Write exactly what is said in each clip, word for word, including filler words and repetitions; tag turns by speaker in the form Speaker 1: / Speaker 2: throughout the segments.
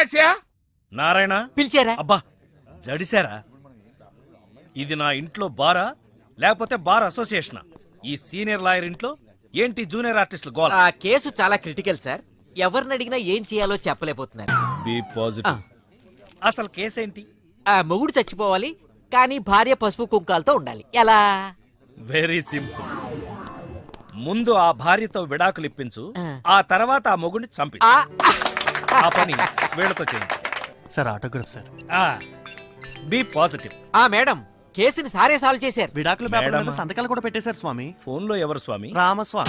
Speaker 1: టాక్సీయా?
Speaker 2: నారాయణ
Speaker 3: పిలిచారా?
Speaker 2: అబ్బా జడిసారా? ఇది నా ఇంట్లో బారా లేకపోతే బార్ అసోసియేషనా? ఈ సీనియర్ లాయర్ ఇంట్లో ఏంటి జూనియర్ ఆర్టిస్టులు గోల?
Speaker 3: ఆ కేసు చాలా క్రిటికల్ సార్. ఎవరిని అడిగినా ఏం చేయాలో చెప్పలేకపోతున్నారు.
Speaker 2: B positive. అసలు కేసేంటి?
Speaker 3: ఆ మొగుడు చచ్చిపోవాలి, కానీ భార్య పసుపు కుంకాలతో ఉండాలి. ఎలా?
Speaker 2: Very simple. ముందు ఆ భార్యతో విడాకులు ఇప్పించు, ఆ తర్వాత ఆ మొగుడిని చంపి. ఆ పని వీళ్ళతో చేయండి
Speaker 4: sir. Autograph sir.
Speaker 2: B positive.
Speaker 3: ఆ మేడం, కేసుని సారే సాల్వ్ చేశారు.
Speaker 4: విడాకుల పేపర్ మీద సంతకాలు కూడా పెట్టేశారు స్వామి.
Speaker 2: ఫోన్ లో ఎవరు స్వామి?
Speaker 4: రామస్వామి.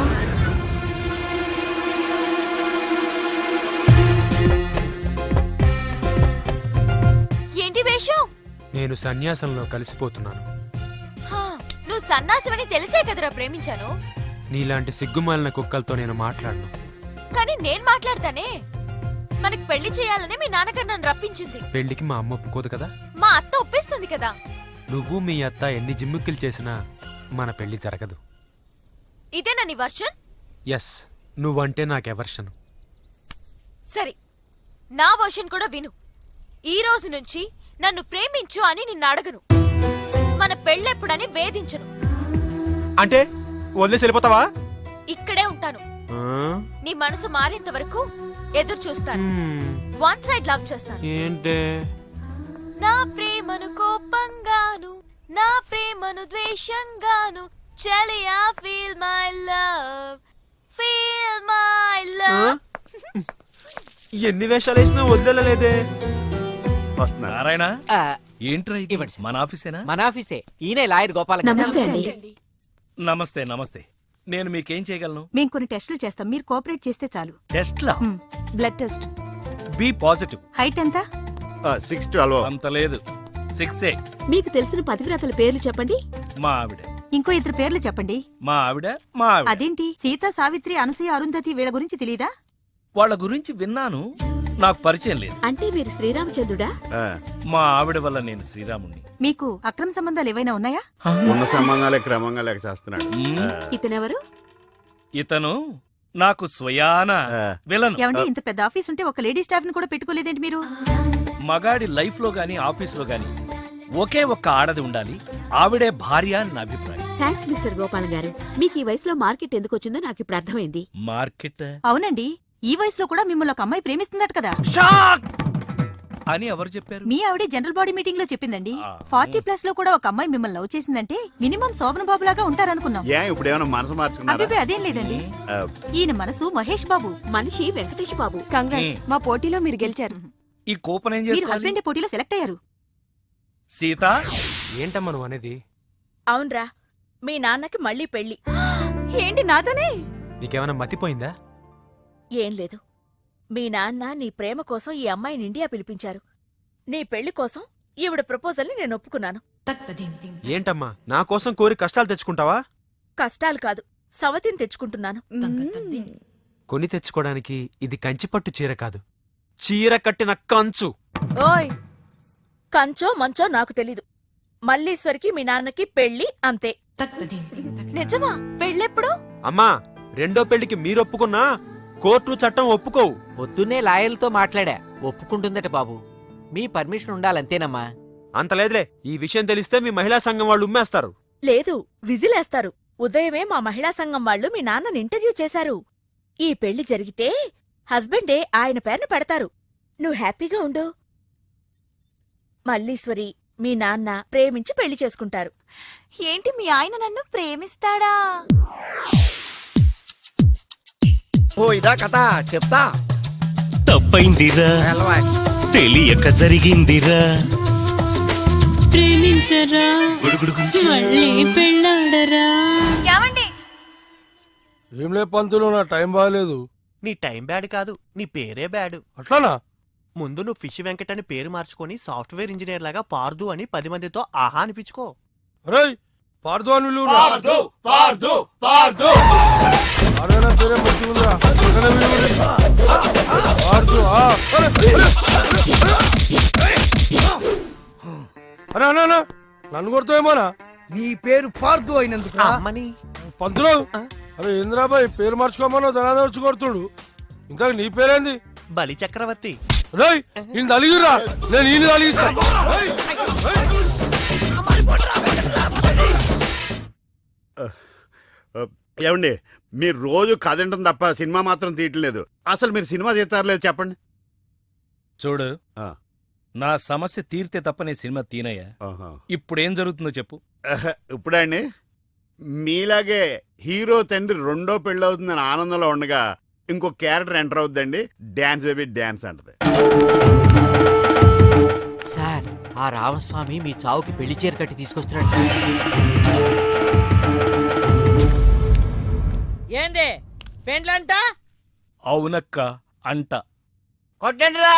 Speaker 5: ఏంటి వేషం?
Speaker 6: నేను సన్యాసంలో కలిసిపోతున్నాను.
Speaker 5: నువ్వు సన్నాసివని తెలిసే కదరా ప్రేమించాను.
Speaker 6: నీలాంటి సిగ్గుమాలిన కుక్కలతో నేను మాట్లాడను.
Speaker 5: కానీ నేను మాట్లాడతానే. మనకి పెళ్లి చేయాలని మీ నాన్నగారు నన్ను రప్పించింది.
Speaker 6: పెళ్లికి మా అమ్మ ఒప్పుకోదు కదా.
Speaker 5: మా అత్త ఒప్పిస్తుంది కదా.
Speaker 6: నువ్వు మీ అత్త ఎన్ని జిమ్ముక్కులు చేసినా మన పెళ్లి జరగదు.
Speaker 5: ఇదేనా నీ వర్షన్?
Speaker 6: ఎస్, నువ్వంటే నాకెవర్షను.
Speaker 5: సరే, నా వర్షన్ కూడా విను. ఈ రోజు నుంచి నన్ను ప్రేమించు అని నిన్ను అడగను. మన పెళ్ళెప్పుడని వేధించను.
Speaker 6: అంటే వదిలేసి వెళ్ళిపోతావా?
Speaker 5: ఇక్కడే ఉంటాను. నీ మనసు మారేంత వరకు ఎదురు చూస్తాను. వన్ సైడ్ లవ్ చేస్తాను.
Speaker 6: ఏంటే?
Speaker 5: నా ప్రేమను కోపంగాను, నా ప్రేమను ద్వేషంగాను. చెలియా feel my love, feel my love.
Speaker 6: ఎన్ని వేషాలు వేసినా వదిలేలేదే.
Speaker 2: నారాయణ
Speaker 3: ఆ,
Speaker 2: ఏంట్రా ఇది?
Speaker 3: ఇవ్వండి సార్.
Speaker 2: మన ఆఫీసేనా?
Speaker 3: మన ఆఫీసే. ఈయనే లాయర్ గోపాల.
Speaker 7: నమస్తే అండి.
Speaker 2: నమస్తే నమస్తే. నేను మీకేం చేయగలను?
Speaker 7: మేము కొన్ని టెస్టులు చేస్తాం, మీరు కోఆపరేట్ చేస్తే చాలు.
Speaker 2: టెస్ట్లా?
Speaker 7: Blood test.
Speaker 2: B positive.
Speaker 7: Height ఎంత?
Speaker 4: Six twelve.
Speaker 2: అంత లేదు, సిక్స్ ఏ.
Speaker 7: మీకు తెలిసిన పతివ్రతల పేర్లు చెప్పండి.
Speaker 2: మా ఆవిడ.
Speaker 7: ఇంకో ఇద్దరు పేర్లు చెప్పండి.
Speaker 2: మా ఆవిడ మా ఆవిడ.
Speaker 7: అదేంటి, సీత, సావిత్రి, అనసూయ, అరుంధతి వీళ్ళ గురించి తెలీదా?
Speaker 2: వాళ్ళ గురించి విన్నాను, నాకు పరిచయం లేదు.
Speaker 7: అంటే మీరు శ్రీరామచంద్రుడా?
Speaker 2: మా ఆవిడ వల్ల నేను శ్రీరాముణ్ణి.
Speaker 7: మీకు అక్రమ సంబంధాలు ఏవైనా ఉన్నాయా?
Speaker 4: ఉన్న సంబంధాలే క్రమంగా లేక చేస్తున్నాడు.
Speaker 7: ఇతనెవరు?
Speaker 2: ఇతను నాకు స్వయాన విలను.
Speaker 7: ఏమండి, ఇంత పెద్ద ఆఫీస్ ఉంటే ఒక లేడీ స్టాఫ్ ని కూడా పెట్టుకోలేదేంటి మీరు?
Speaker 2: మగాడి లైఫ్ లో గాని ఆఫీస్ లో గాని ఒకే ఒక్క ఆడది ఉండాలి, ఆవిడే భార్య అని నా అభిప్రాయం.
Speaker 7: థ్యాంక్స్ మిస్టర్ గోపాలం గారు. మీకు ఈ వయసులో మార్కెట్ ఎందుకు వచ్చిందో నాకు ఇప్పుడు అర్థమైంది.
Speaker 2: మార్కెట్?
Speaker 7: అవునండి, ఈ వయసులో కూడా మిమ్మల్ని ఒక అమ్మాయి ప్రేమిస్తుందట కదా.
Speaker 2: అని ఎవరు చెప్పారు?
Speaker 7: మీ ఆవిడే జనరల్ బాడీ మీటింగ్ లో చెప్పిందండి.
Speaker 2: ఆ.
Speaker 7: ఫార్టీ ప్లస్ లో కూడా ఒక అమ్మాయి మిమ్మల్ని లవ్ చేసిందంటే మినిమం శోభన బాబు లాగా ఉంటారనుకున్నాం.
Speaker 4: ఏ ఇప్పుడు ఏమైనా మనసు మార్చుకున్నారా?
Speaker 7: అభిపే అదేం లేదండి. ఈయన మనసు మహేష్ బాబు, మనిషి వెంకటేష్ బాబు. కంగ్రాట్స్, మా పోటీలో మీరు గెలిచారు.
Speaker 2: ఈ కూపన్ ఏం
Speaker 7: మీరు
Speaker 2: చేసుకోవాలి?
Speaker 7: హస్బెండ్ పోటీలో సెలెక్ట్ అయ్యారు.
Speaker 2: సీత,
Speaker 6: ఏంటమ్మా నువ్వు అనేది?
Speaker 8: అవునరా, మీ నాన్నకి మళ్ళీ పెళ్లి.
Speaker 7: ఏంటి నాతోనే?
Speaker 6: నీకేమైనా మతిపోయిందా?
Speaker 8: ఏం లేదు, మీ నాన్న నీ ప్రేమ కోసం ఈ అమ్మాయిని ఇండియా పిలిపించారు. నీ పెళ్లి కోసం ఈవిడ ప్రపోజల్ని నేను ఒప్పుకున్నాను.
Speaker 6: ఏంటమ్మా నా కోసం కోరి కష్టాలు తెచ్చుకుంటావా?
Speaker 8: కష్టాలు కాదు, సవతిని తెచ్చుకుంటున్నాను.
Speaker 6: కొని తెచ్చుకోవడానికి ఇది కంచిపట్టు చీర కాదు, చీర కట్టిన కంచు.
Speaker 8: ఓయ్, కంచో మంచో నాకు తెలీదు. మల్లీశ్వరికి మీ నాన్నకి పెళ్లి, అంతే.
Speaker 5: నిజమా? పెళ్ళెప్పుడు?
Speaker 6: అమ్మా, రెండో పెళ్లికి మీరొప్పుకున్నా కోర్టు చట్టం ఒప్పుకోవు.
Speaker 3: పొద్దున్నే లాయర్లతో మాట్లాడా, ఒప్పుకుంటుందట బాబు. మీ పర్మిషన్ ఉండాలంతేనమ్మా.
Speaker 6: అంత లేదులే, ఈ విషయం తెలిస్తే మీ మహిళా సంఘం వాళ్ళు ఉమ్మేస్తారు.
Speaker 8: లేదు, విజిలేస్తారు. ఉదయమే మా మహిళా సంఘం వాళ్ళు మీ నాన్నని ఇంటర్వ్యూ చేశారు. ఈ పెళ్లి జరిగితే హస్బెండే ఆయన పేరును పెడతారు. నువ్వు హ్యాపీగా ఉండు. మల్లీశ్వరి, మీ నాన్న ప్రేమించి పెళ్లి చేసుకుంటారు.
Speaker 7: ఏంటి, మీ ఆయన నన్ను ప్రేమిస్తాడా?
Speaker 1: ఓ ఇదా కథ చెప్తా.
Speaker 9: తప్పైందిరా, తెలియక జరిగిందిరా.
Speaker 10: ప్రేమించరా, మళ్ళీ పెళ్ళాడరా.
Speaker 11: ఏం లే పంతులు, నా టైం బాగాలేదు.
Speaker 4: నీ టైం బ్యాడ్ కాదు, నీ పేరే బ్యాడ్.
Speaker 11: అట్లానా?
Speaker 4: ముందు నువ్వు ఫిష్ వెంకట్ అని పేరు మార్చుకొని సాఫ్ట్వేర్ ఇంజనీర్ లాగా పార్దు అని పది మందితో ఆహా అనిపించుకో.
Speaker 11: అరే పార్దు అని విలువ. అరే అన్నా, నన్ను కొడుతావేమోనా?
Speaker 1: నీ పేరు పార్దు అయినందుకు
Speaker 11: పంతులు. అరే ఇంద్రాబాయ్ పేరు మార్చుకోమన్నా ధనాదర్చి కొడుతుడు. ఇంతకు నీ పేరేంది?
Speaker 4: బలి చక్రవర్తి.
Speaker 11: రేయ్ ఈయన తలిగిరా నేను ఈయన తలిగిస్తా రేయ్,
Speaker 12: ఏమండి మీరు రోజు కథ వింటాం తప్ప సినిమా మాత్రం తీయట్లేదు. అసలు మీరు సినిమా తీస్తారో లేదు చెప్పండి.
Speaker 2: చూడు
Speaker 12: ఆ.
Speaker 2: నా సమస్య తీర్తే తప్ప నీ సినిమా తీనయ్యా.
Speaker 12: ఆహా.
Speaker 2: ఇప్పుడేం జరుగుతుందో చెప్పు.
Speaker 12: ఆహా, ఇప్పుడే అండి మీలాగే హీరో తండ్రి రెండో పెళ్ళవుతుందని ఆనందంలో ఉండగా ఇంకో క్యారెక్టర్ ఎంటర్ అవుతుందండి. డాన్స్ బేబీ డాన్స్ అంటది.
Speaker 3: సార్ ఆ రామస్వామి మీ చావుకి పెళ్లి చీర కట్టి తీసుకొస్తున్నాడు.
Speaker 8: ఏంది పెండ్లంట
Speaker 2: అవునక్క అంట.
Speaker 8: కొట్టండిరా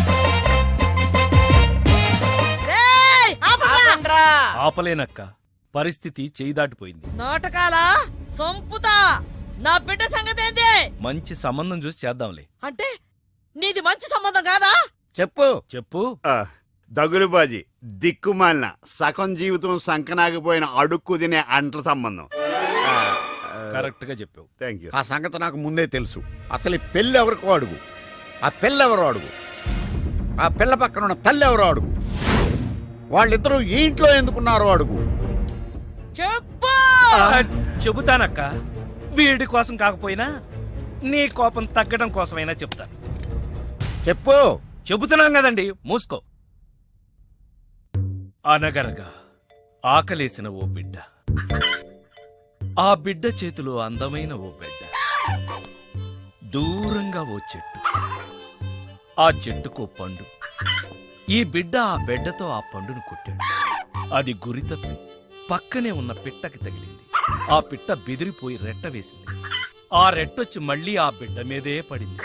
Speaker 2: ఆపలేనక్క, పరిస్థితి చేయి దాటిపోయింది.
Speaker 8: నాటకాలా సంపుతా నా బిడ్డ సంగతి ఏంది
Speaker 2: మంచి సంబంధం చూసి చేద్దాంలే.
Speaker 8: అంటే నీది మంచి సంబంధం కాదా?
Speaker 1: చెప్పు.
Speaker 2: చెప్పు.
Speaker 12: ఆ, దగులుబాజీ దిక్కుమాలిన సగం జీవితం సంకనాగిపోయిన అడుక్కు తినే అంట్ల సంబంధం.
Speaker 2: కరెక్ట్ గా చెప్పావు.
Speaker 12: Thank you.
Speaker 1: ఆ సంగతి నాకు ముందే తెలుసు. అసలు ఈ పెళ్ళి ఎవరికో అడుగు, ఆ పిల్ల ఎవరో అడుగు, ఆ పిల్ల పక్కన ఉన్న తల్లి ఎవరో అడుగు, వాళ్ళిద్దరూ ఈ ఇంట్లో ఎందుకున్నారో అడుగు.
Speaker 8: చెప్పు.
Speaker 2: ఆ, చెబుతానక్క. వీడి కోసం కాకపోయినా నీ కోపం తగ్గడం కోసమైనా చెప్తాను.
Speaker 1: చెప్పు.
Speaker 2: చెబుతున్నాం కదండి, మూసుకో. అనగనగా ఆకలేసిన ఓ బిడ్డ, ఆ బిడ్డ చేతిలో అందమైన ఓ బిడ్డ, దూరంగా ఓ చెట్టు, ఆ చెట్టుకో పండు. ఈ బిడ్డ ఆ బిడ్డతో ఆ పండును కొట్టాడు. అది గురి తప్పి పక్కనే ఉన్న పిట్టకి తగిలింది. ఆ పిట్ట బెదిరిపోయి రెట్ట వేసింది. ఆ రెట్టొచ్చి మళ్ళీ ఆ బిడ్డ మీదే పడింది.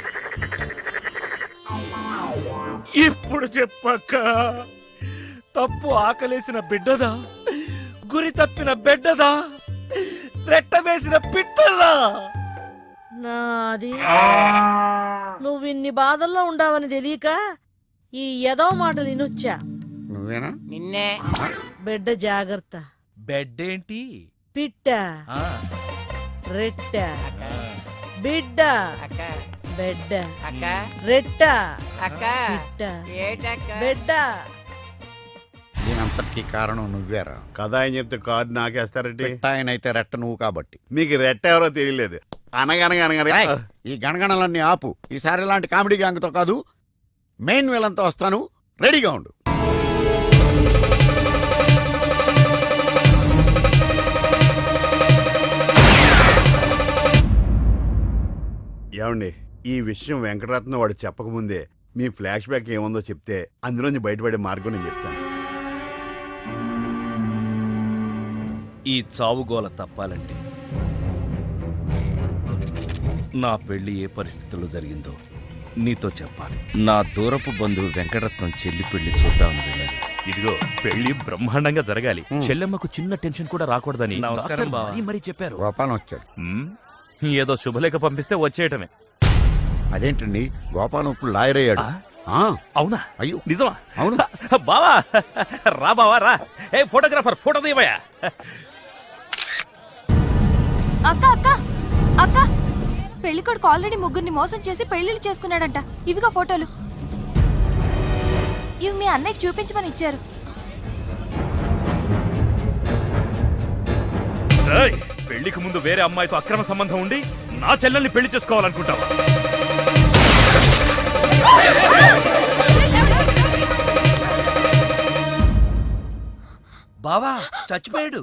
Speaker 2: ఇప్పుడు చెప్పక్క, తప్పు ఆకలేసిన బిడ్డదా, గురి తప్పిన బిడ్డదా, రెట్ట వేసిన పిట్టదా?
Speaker 8: నాది నువ్వు ఇన్ని బాధల్లో ఉండావని తెలియక ఈ ఎదో మాట వినొచ్చా.
Speaker 1: నువ్వేనా?
Speaker 8: నిన్నే. బిడ్డ జాగ్రత్త.
Speaker 2: బెడ్ ఏంటి?
Speaker 8: పిట్ట
Speaker 2: ఆ,
Speaker 8: రెట్ట బిడ్డ బెడ్డ
Speaker 3: అక్క
Speaker 8: రెట్ట
Speaker 3: అక్క
Speaker 8: పిట్ట
Speaker 3: ఏటక్క
Speaker 8: బిడ్డ.
Speaker 1: దీనంతటికీ కారణం నువ్వేరా.
Speaker 12: కథ ఆయన చెప్తే కార్డు నాకేస్తారంటే
Speaker 1: ఆయనైతే రెట్ట నువ్వు కాబట్టి.
Speaker 12: మీకు రెట్ట ఎవరో తెలియలేదు. అనగనగా అనగనగా
Speaker 1: ఏయ్, ఈ గణగణలన్నీ ఆపు. ఈసారి ఇలాంటి కామెడీ గ్యాంగ్తో కాదు, మెయిన్ విలన్తో వస్తాను. రెడీగా ఉండు.
Speaker 12: ఏమండి ఈ విషయం వెంకటరత్నం వాడు చెప్పకముందే మీ ఫ్లాష్ బ్యాక్ ఏముందో చెప్తే అందులోంచి బయటపడే మార్గం నేను చెప్తాను.
Speaker 2: ఈ చావుగోల తప్పాలంటే నా పెళ్లి ఏ పరిస్థితుల్లో జరిగిందో నీతో చెప్పాలి. నా దూరపు బంధువు వెంకటరత్నం చెల్లి పెళ్లి చూద్దామని వెళ్ళాను.
Speaker 13: ఇదిగో పెళ్లి బ్రహ్మాండంగా జరగాలి. చెల్లెమ్మకు చిన్న టెన్షన్ కూడా రాకూడదని
Speaker 2: నమస్కారం బావ.
Speaker 13: మరీ మరీ చెప్పారు.
Speaker 1: గోపాలం వచ్చాడు.
Speaker 13: ఉమ్, ఏదో శుభలేఖ పంపిస్తే వచ్చేయటమే.
Speaker 1: అదేంటండి, గోపాలం ఇప్పుడు లాయర్ అయ్యాడు. ఆ,
Speaker 13: అవునా?
Speaker 1: అయ్యో
Speaker 13: నిజమా?
Speaker 1: అవును.
Speaker 13: బావా రా బావా రా. ఏ ఫోటోగ్రాఫర్ ఫోటో తీయబోయా.
Speaker 7: అక్క అక్క అక్క పెళ్లికొడుకు ఆల్రెడీ ముగ్గురిని మోసం చేసి పెళ్లిళ్ళు చేసుకున్నాడంట. ఇవిగా ఫోటోలు. ఇవి మీ అన్నయ్యకి చూపించమని ఇచ్చారు.
Speaker 13: ఏయ్, పెళ్లికి ముందు వేరే అమ్మాయితో అక్రమ సంబంధం ఉండి నా చెల్లెల్ని పెళ్లి చేసుకోవాలనుకుంటావా?
Speaker 2: బావా చచ్చిపోయాడు.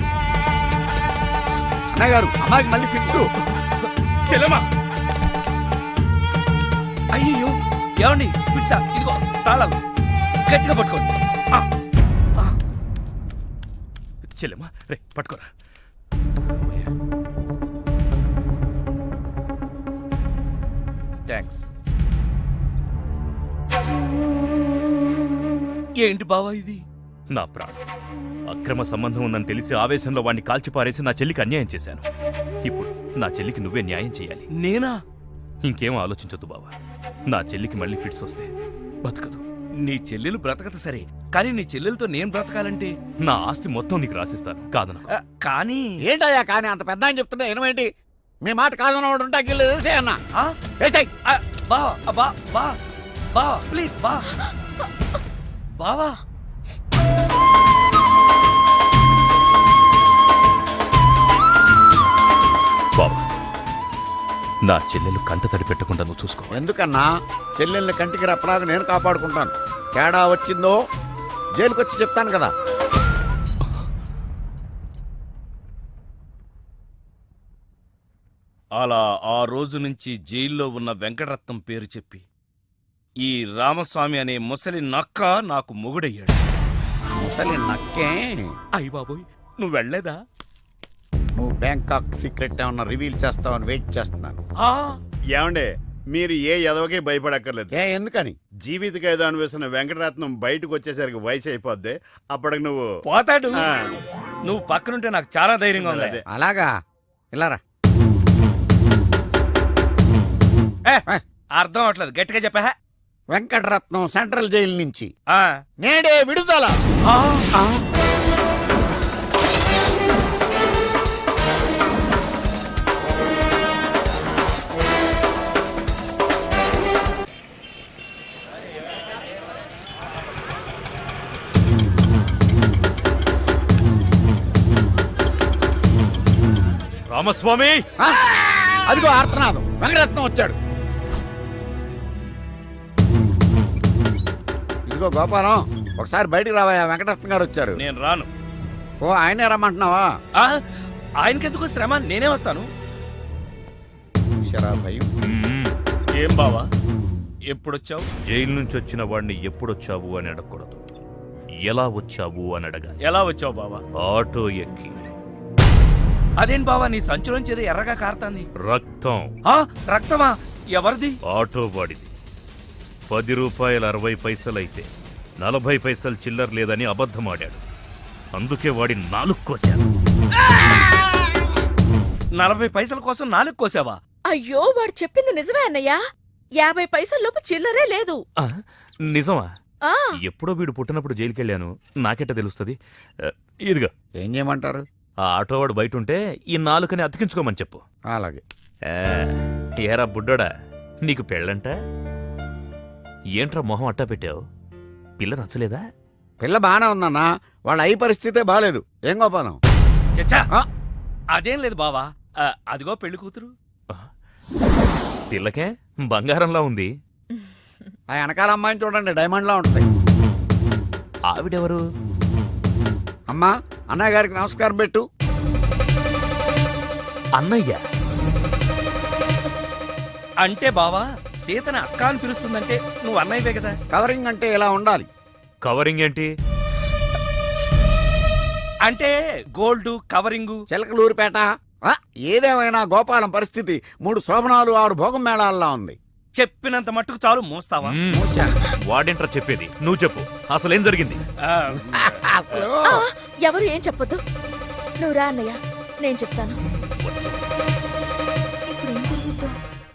Speaker 1: అన్నగారు, అమ్మాయికి మళ్ళీ ఫిక్స్.
Speaker 13: చెల్లెమ్మా
Speaker 2: అయ్యో ఏమండి, పిచ్చా ఇదిగో తాళాలు గట్టిగా పట్టుకోండి. ఆ, ఆ.
Speaker 13: చెల్లెమ్మా రే పట్టుకోరా.
Speaker 2: థ్యాంక్స్. ఏంటి బావా ఇది?
Speaker 13: నా ప్రాణం. అక్రమ సంబంధం ఉందని తెలిసి ఆవేశంలో వాడిని కాల్చిపారేసి నా చెల్లికి అన్యాయం చేశాను. ఇప్పుడు నా చెల్లికి నువ్వే న్యాయం చేయాలి.
Speaker 2: నేనా?
Speaker 13: ఇంకేం ఆలోచించొద్దు బావా. నా చెల్లికి మళ్ళీ ఫిట్స్ వస్తే బతకదు.
Speaker 2: నీ చెల్లెలు బ్రతకదు సరే, కానీ నీ చెల్లెలతో నేను బ్రతకాలంటే
Speaker 13: నా ఆస్తి మొత్తం నీకు రాసిస్తాను. కాదనకు.
Speaker 2: ఆ, కానీ
Speaker 1: ఏంటయ్యా కానీ అంత పెద్ద అని చెప్తుంటే ఏమేంటి? మీ మాట కాదన్నవాడు ఉంటా గిల్లు అన్న.
Speaker 2: ఆ?
Speaker 1: ఏసేయ్.
Speaker 2: ఆ, బా బా బా బావా ప్లీజ్ బా బావా
Speaker 13: బాబా నా చెల్లెలు కంట తడి పెట్టకుండా నువ్వు చూసుకో.
Speaker 1: ఎందుకన్నా చెల్లెల్ని కంటికి రెప్పలాగా నేను కాపాడుకుంటాను. తేడా వచ్చిందో జైలుకొచ్చి చెప్తాను కదా.
Speaker 2: అలా ఆ రోజు నుంచి జైల్లో ఉన్న వెంకటరత్నం పేరు చెప్పి ఈ రామస్వామి అనే ముసలి నక్క నాకు మొగుడయ్యాడు.
Speaker 1: ముసలి నక్కే.
Speaker 2: అయ్య బాబోయ్ నువ్వు వెళ్ళలేదా?
Speaker 1: నువ్వు బ్యాంకాక్ సీక్రెట్ ఏమన్నా రివీల్ చేస్తావని వెయిట్ చేస్తున్నాను.
Speaker 2: ఆ,
Speaker 12: ఏమండే మీరు ఏ ఎదవకే భయపడక్కర్లేదు.
Speaker 1: ఏ ఎందుకని?
Speaker 12: జీవిత ఖైదు అనిపిస్తున్న వెంకటరత్నం బయటకు వచ్చేసరికి వయసు అయిపోద్ది. అప్పటికి నువ్వు
Speaker 2: పోతాడు.
Speaker 12: ఆ.
Speaker 2: నువ్వు పక్కనుంటే నాకు చాలా ధైర్యంగా ఉంది.
Speaker 12: అదే.
Speaker 1: అలాగా ఇలారా.
Speaker 2: ఏ, అర్థం అవట్లేదు, గట్టిగా చెప్పా.
Speaker 1: వెంకటరత్నం సెంట్రల్ జైలు నుంచి
Speaker 2: ఆ.
Speaker 1: నేడే విడుదల.
Speaker 2: ఆ.
Speaker 13: రామస్వామి
Speaker 1: ఆ? అదిగో ఆర్తనాదం. వెంకటరత్నం వచ్చాడు. ఇదిగో గోపాలం, ఒకసారి బయటికి రావా. వెంకటరత్నం గారు వచ్చారు.
Speaker 2: నేను రాను.
Speaker 1: ఓ ఆయనే రమ్మంటున్నావా?
Speaker 2: ఆ, ఆయనకెందుకు శ్రమ, నేనే వస్తాను.
Speaker 1: శరా భయం.
Speaker 13: మ్మ్.
Speaker 2: ఏం బావా ఎప్పుడొచ్చావు?
Speaker 13: జైలు నుంచి వచ్చిన వాడిని ఎప్పుడొచ్చావు అని అడగకూడదు, ఎలా వచ్చావు అని అడగాలి.
Speaker 2: ఎలా వచ్చావు బావా?
Speaker 13: ఆటో ఎక్కి.
Speaker 2: అదేం బావా నీ సంచులోంచి ఏదో ఎర్రగా కారుతాంది.
Speaker 13: రక్తం.
Speaker 2: ఆ, రక్తమా? ఎవరిది?
Speaker 13: ఆటో వాడిది. పది రూపాయల అరవై పైసలైతే నలభై పైసలు చిల్లర లేదని అబద్ధమాడాడు. అందుకే వాడి నాలుగు కోశాను.
Speaker 2: నలభై పైసల కోసం నాలుగు కోసావా?
Speaker 8: అయ్యో వాడు చెప్పింది నిజమే అన్నయ్యా. యాభై పైసల్లోపు చిల్లరే లేదు.
Speaker 13: ఆ, నిజమా?
Speaker 8: ఆ
Speaker 13: ఎప్పుడో వీడు పుట్టినప్పుడు జైలుకెళ్ళాను, నాకెట్ట తెలుస్తుంది? ఆ, ఇదిగో
Speaker 1: ఏం చేయమంటారు?
Speaker 13: ఆ ఆటోవాడు బయట ఉంటే ఈ నాలుకని అతికించుకోమని చెప్పు.
Speaker 1: అలాగే.
Speaker 13: ఆ, ఏరా బుడ్డోడా, నీకు పెళ్ళంట? ఏంట్రా మొహం అట్టా పెట్టావు? పిల్ల నచ్చలేదా?
Speaker 1: పిల్ల బానే ఉందన్నా, వాళ్ళ అయి పరిస్థితే బాలేదు. ఏం గోపాలం?
Speaker 2: చచ్చా,
Speaker 1: ఆ?
Speaker 2: అదేం లేదు బావా. ఆ, అదిగో పెళ్లి కూతురు.
Speaker 13: ఆ, పిల్లకే బంగారంలా ఉంది.
Speaker 1: ఆ వెనకాల అమ్మాయిని చూడండి, డైమండ్లా ఉంటాయి.
Speaker 13: ఆవిడెవరు?
Speaker 1: అమ్మా, అన్నయ్య గారికి నమస్కారం పెట్టు.
Speaker 13: అన్నయ్య.
Speaker 2: అంటే బావా సీతని అక్క అని పిలుస్తుందంటే నువ్వు అన్నయ్యవే కదా.
Speaker 1: కవరింగ్ అంటే ఇలా ఉండాలి.
Speaker 13: కవరింగ్ ఏంటి?
Speaker 2: అంటే గోల్డ్ కవరింగు.
Speaker 1: చిలకలూరిపేట. ఆ, ఏదేమైనా గోపాలం పరిస్థితి మూడు శోభనాలు ఆరు భోగం మేళాల్లో ఉంది.
Speaker 2: చెప్పినంత మట్టుకు చాలు, మోస్తావా?
Speaker 13: మ్మ్. వాడేంట్రా చెప్పేది? నువ్వు చెప్పు, అసలేం జరిగింది?
Speaker 2: ఆ,
Speaker 1: అసలు
Speaker 8: ఆ, ఎవరు ఏం చెప్పొద్దు. నువ్వు రా అన్నయ్య, నేను చెప్తాను. ఇప్పుడు ఏం జరుగుతుందో.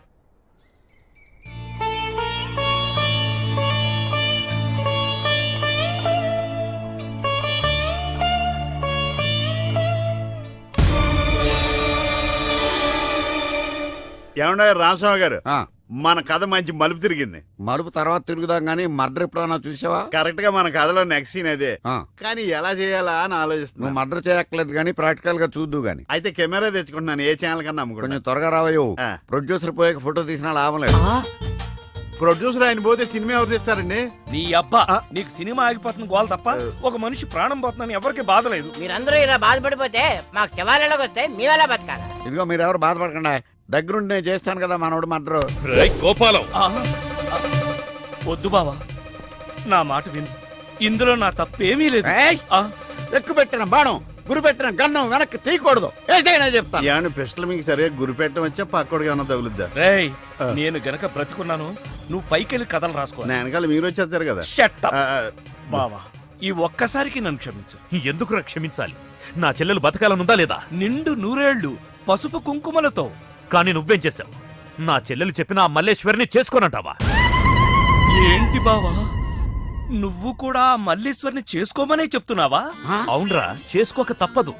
Speaker 12: ఏమన్నా రామస్వామి గారు,
Speaker 1: ఆ,
Speaker 12: మన కథ మంచి మలుపు తిరిగింది.
Speaker 1: మరుపు తర్వాత తిరుగుదాం గానీ మర్డర్ ఎప్పుడన్నా చూసావా?
Speaker 12: కరెక్ట్ గా మన కథలో నెక్స్ట్ సీన్ అదే.
Speaker 1: ఆ,
Speaker 12: కానీ ఎలా చేయాలా అని
Speaker 1: నువ్వు
Speaker 12: ఆలోచిస్తున్నా.
Speaker 1: మర్డర్ చేయక్కర్లేదు గానీ ప్రాక్టికల్ గా చూద్దు గాని.
Speaker 12: అయితే కెమెరా తెచ్చుకుంటున్నాను, ఏ ఛానల్ కన్నా
Speaker 1: కొంచెం
Speaker 12: అమ్ముకుంటా.
Speaker 1: త్వరగా రావయ్యో.
Speaker 12: ఆ.
Speaker 1: ప్రొడ్యూసర్ పోయాక ఫోటో తీసినా లాభం లేదు.
Speaker 12: ప్రొడ్యూసర్ ఆయన పోతే సినిమా ఎవరు తీస్తారండి?
Speaker 2: నీ అబ్బా,
Speaker 12: ఆ.
Speaker 2: నీకు సినిమా ఆగిపోతుంది గోల తప్ప ఒక మనిషి ప్రాణం పోతుందని ఎవరికి బాధ లేదు.
Speaker 3: మీరందరూ ఇలా బాధపడిపోతే మాకు శివాలయంలోకి వస్తే మీ వల్ల బతకాల.
Speaker 1: ఇదిగో మీరు ఎవరు బాధపడకుండా, దగ్గరుండి నేను చేస్తాను కదా మనోడు మర్డర్.
Speaker 13: రేయ్ గోపాలం,
Speaker 2: ఆ, ఆ, వద్దు బావా, నా మాట విను. ఇందులో నా తప్పేమీ లేదు.
Speaker 1: ఏయ్!
Speaker 2: ఆ,
Speaker 1: ఎక్కువ పెట్టిన బాణం, గురి పెట్టిన గన్నం వెనక్కి తీయకూడదు. ఏసైనా చెప్తాను.
Speaker 12: ఏమన్నా పిస్టల్ మీకు సరిగా గురిపెట్టడం వచ్చా పక్కోడికి ఏమన్నా తగులుద్దా?
Speaker 2: రేయ్,
Speaker 12: ఆ.
Speaker 2: నేను గనక బ్రతికున్నాను, నువ్వు పైకెళ్ళి కథలు రాసుకో.
Speaker 12: నా వెనకాల మీరు వచ్చేస్తారు కదా.
Speaker 2: Shut up.
Speaker 12: ఆ,
Speaker 2: బావా, ఈ ఒక్కసారికి నన్ను క్షమించు.
Speaker 13: ఎందుకురా క్షమించాలి? నా చెల్లెలు బతకాలనుందా లేదా?
Speaker 2: నిండు నూరేళ్లు పసుపు కుంకుమలతో.
Speaker 13: కానీ నువ్వేం చేశావు? నా చెల్లెలు చెప్పిన ఆ మల్లేశ్వరిని చేసుకోనంటావా?
Speaker 2: ఏంటి బావా, నువ్వు కూడా ఆ మల్లీశ్వరిని చేసుకోమనే చెప్తున్నావా?
Speaker 13: అవునరా, చేసుకోక తప్పదు.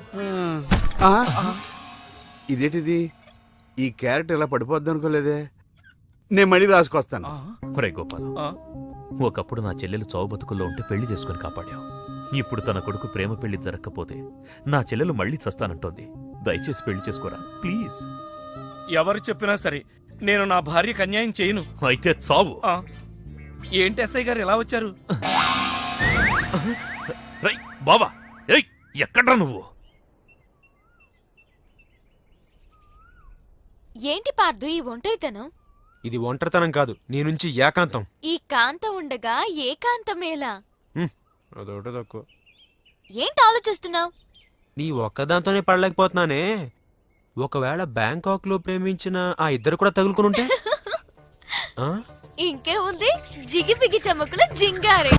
Speaker 12: ఆ? ఇదేంటిది? ఈ క్యారెట్ ఇలా పడిపోద్ది అనుకోలేదే. నేను మళ్ళీ రాసుకొస్తాను.
Speaker 13: ఒరే గోపాలం, ఒకప్పుడు నా చెల్లెలు చావు బతుకుల్లో ఉంటే పెళ్లి చేసుకుని కాపాడావు. ఇప్పుడు తన కొడుకు ప్రేమ పెళ్లి జరగకపోతే నా చెల్లెలు మళ్ళీ చస్తానంటోంది. దయచేసి పెళ్లి చేసుకోరా ప్లీజ్.
Speaker 2: ఎవరు చెప్పినా సరే నేను నా భార్యకు అన్యాయం చేయను.
Speaker 13: అయితే చావు.
Speaker 2: ఆ, ఏంటి ఎస్ఐ గారు ఎలా వచ్చారు?
Speaker 13: రై బావా, ఏయ్ ఎక్కడ్రా నువ్వు?
Speaker 5: ఏంటి పార్దు ఈ ఒంటరితనం?
Speaker 6: ఇది ఒంటరితనం కాదు, నీ నుంచి ఏకాంతం.
Speaker 5: ఈ కాంత ఉండగా ఏకాంతమేలా?
Speaker 6: హ్మ్, అదొకటి తక్కువ.
Speaker 5: ఏంటి ఆలోచిస్తున్నావు?
Speaker 6: నీ ఒక్కదాంతోనే పడలేకపోతున్నానే. ఒకవేళ బ్యాంకాక్ లో ప్రేమించిన ఆ ఇద్దరు కూడా తగులుకుని ఉంటే? ఆ?
Speaker 5: ఇంకే ఉంది జిగిపిగి చమకుల జింగారే.